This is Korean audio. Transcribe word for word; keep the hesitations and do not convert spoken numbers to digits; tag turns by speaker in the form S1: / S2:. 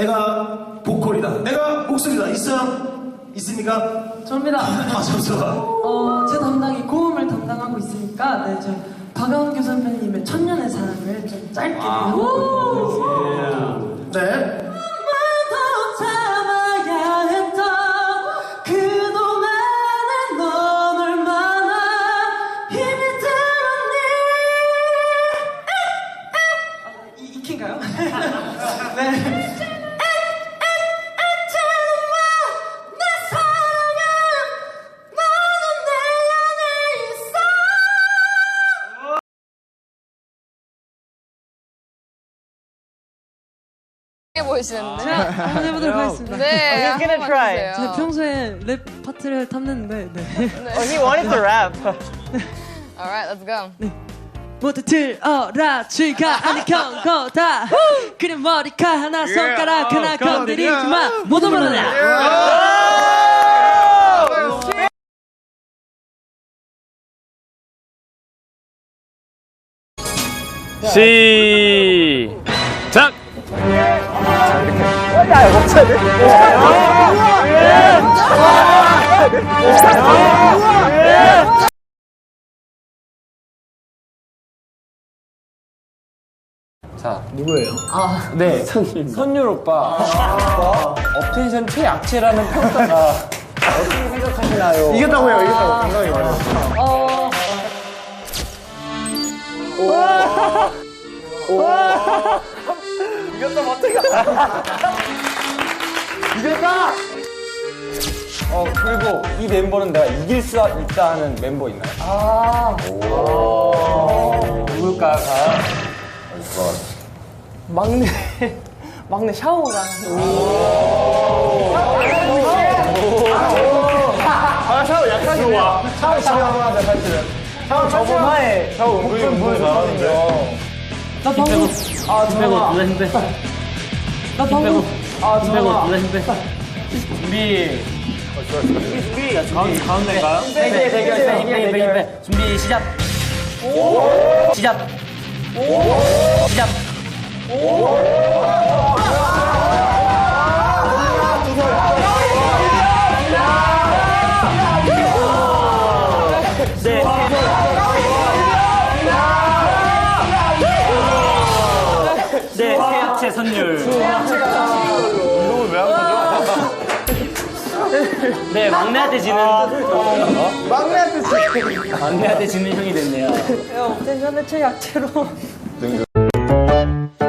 S1: 내가 보컬이다, 내가 목소리다. 있어요? 있습니까?
S2: 저입니다.
S1: 아, 잠시만.
S2: 어, 제 담당이 고음을 담당하고 있으니까, 네, 좀 박원규 선배님의 천년의 사랑을 좀 짧게.
S1: 아, 네.
S3: 보이시는데.
S2: 제가 한번 해보도록 하겠습니다.
S3: 네.
S4: He's gonna try.
S2: 제가 평소에 랩 파트를 탐냈는데, 네.
S4: Oh, he wanted to rap.
S3: Alright, let's go.
S2: 모두 들어라, 쥐가 아니 경거다. 그래 머리카 하나 손가락 하나 건드리지 마. 모두 몰라.
S5: 시작!
S6: 자, 누구예요? 아, 네, 선율 오빠. 업텐션 최약체라는 평가가 어떻게 생각하시나요?
S1: 이겼다고요, 이겼다고. 건강히 말해요.
S6: 어.
S1: 이겼다, 마태가. 이겼다!
S6: 어, 그리고 이 멤버는 내가 이길 수 있다 하는 멤버 있나요?
S4: 아.
S6: 누굴까?
S4: 막내 막내 샤오가.
S1: 아, 샤워 약간 좋아. 샤워 잘하는데, 사실은. 샤워 저번에. 샤워 은근히 은근히 잘하는데.
S4: 나 방금 아 정아. 나 방금 아 정아.
S5: 준비.
S1: 준비.
S5: 가운데, 가운데인가요?
S4: 네, 네, 대결, 대결, 대결.
S5: 준비, 시작. 시작. 시작. 네. 네, 최약체 선율.
S1: 이거 왜안 가져?
S5: 네, 막내한테 지는.
S1: 막내한테 지금.
S5: 막내한테 지는 형이 됐네요.
S4: 업텐션의 최약체로.
S1: 등